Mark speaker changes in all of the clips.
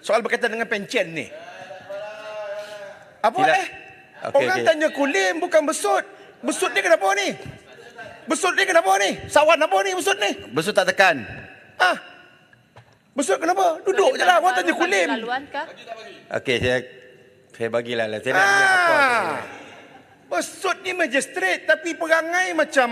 Speaker 1: soal berkaitan dengan pencen ni. Apa
Speaker 2: Tidak.
Speaker 1: Orang tanya Kulim bukan Besut. Besut ni kenapa ni? Besut ni kenapa ni? Sawan apa ni Besut ni?
Speaker 2: Besut tak tekan.
Speaker 1: Besut kenapa? Duduk je lah. Orang tanya Kulim.
Speaker 2: Okey, saya bagilah. Saya nak lihat apa.
Speaker 1: Besut ni magistrate tapi perangai macam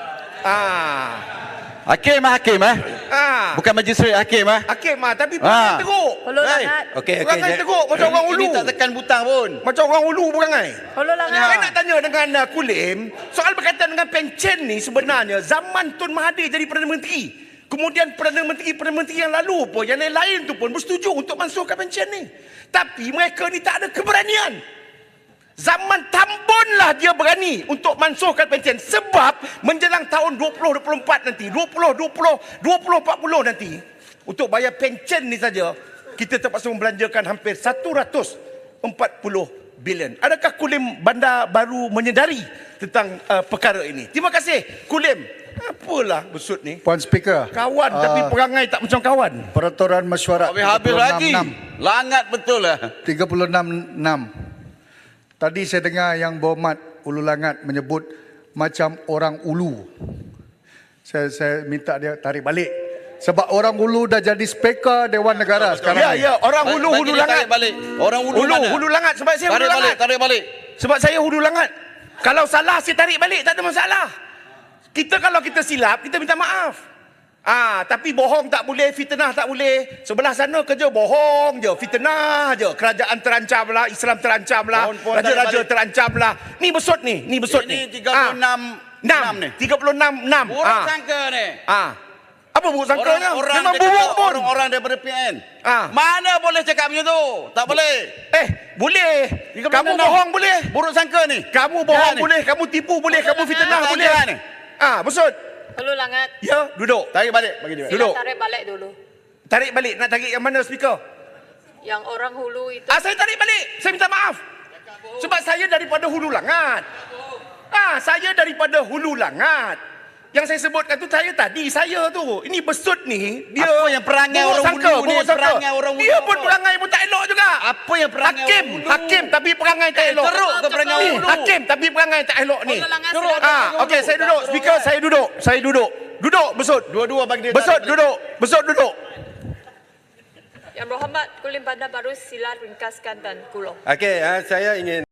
Speaker 2: Hakim Bukan majistret hakim
Speaker 1: hakim tapi perangai teruk.
Speaker 3: Hulu langat.
Speaker 2: Okey.
Speaker 1: Perangai teruk macam orang Hulu.
Speaker 2: Ini tak tekan butang pun.
Speaker 1: Macam orang Hulu perangai.
Speaker 3: Hulu langat.
Speaker 1: Saya nak tanya dengan Kulim, soal berkaitan dengan pencen ni sebenarnya zaman Tun Mahathir jadi Perdana Menteri. Kemudian Perdana Menteri yang lalu pun, yang lain tu pun bersetuju untuk mansuhkan pencen ni. Tapi mereka ni tak ada keberanian. Zaman Tambun lah dia berani untuk mansuhkan pencen. Sebab menjelang tahun 2024 nanti, 2040 nanti, untuk bayar pencen ni saja, kita terpaksa membelanjakan hampir 140 bilion. Adakah Kulim Bandar Baru menyedari tentang perkara ini? Terima kasih Kulim. Apalah Besut ni?
Speaker 4: Puan Speaker.
Speaker 1: Kawan tapi perangai tak macam kawan.
Speaker 4: Peraturan Mesyuarat
Speaker 2: Habis lagi.
Speaker 4: 36.6.
Speaker 2: Langat betul lah.
Speaker 4: 36.6. Tadi saya dengar yang berhormat Ulu Langat menyebut macam orang Ulu. Saya minta dia tarik balik. Sebab orang Ulu dah jadi Speaker Dewan Negara sekarang.
Speaker 1: Ya, orang Hulu Langat.
Speaker 2: Tarik balik. Orang Hulu mana?
Speaker 1: Hulu Langat sebab saya Hulu Langat.
Speaker 2: Tarik balik.
Speaker 1: Sebab saya Hulu Langat. Kalau salah saya tarik balik, tak ada masalah. Kalau kita silap, kita minta maaf. Tapi bohong tak boleh, fitnah tak boleh. Sebelah sana kerja bohong je, fitnah je. Kerajaan terancam lah, Islam terancam lah, raja-raja terancam lah. Ni Besut ni,
Speaker 2: Ini 36 ni.
Speaker 1: 36.6.
Speaker 2: Buruk sangka ni.
Speaker 1: Apa buruk sangkanya?
Speaker 2: Orang
Speaker 1: Memang buruk pun.
Speaker 2: Orang daripada PN. Mana boleh cakap macam tu? Tak boleh.
Speaker 1: Boleh. Kamu bohong boleh.
Speaker 2: Buruk sangka ni.
Speaker 1: Kamu bohong boleh, kamu tipu boleh, kamu fitnah boleh. Besut.
Speaker 3: Hulu langat.
Speaker 1: Ya, duduk.
Speaker 2: Tarik balik. Bagi dia.
Speaker 1: Duduk.
Speaker 3: Tarik balik dulu.
Speaker 1: Tarik balik. Nak tarik yang mana speaker?
Speaker 3: Yang orang Hulu itu.
Speaker 1: Saya tarik balik. Saya minta maaf. Sebab saya daripada Hulu Langat. Saya daripada Hulu Langat. Yang saya sebutkan tu saya tu. Ini Besut ni, dia
Speaker 2: apa yang perangai orang Hulu ni? Perangai orang Hulu.
Speaker 1: Dia pun perangai pun tak elok juga.
Speaker 2: Apa yang perangai orang Hulu?
Speaker 1: Hakim tapi perangai tak elok.
Speaker 2: Teruk ke perangai orang Hulu?
Speaker 1: Hakim tapi perangai tak elok ni.
Speaker 3: Hulu langat.
Speaker 1: Okey, saya duduk. Speaker, saya duduk. Duduk, Besut.
Speaker 2: Dua-dua bagi dia.
Speaker 1: Besut duduk. Besut duduk.
Speaker 3: Yang berhormat Kulim Bandar Baru, sila ringkaskan dan kulong.
Speaker 2: Okey, saya ingin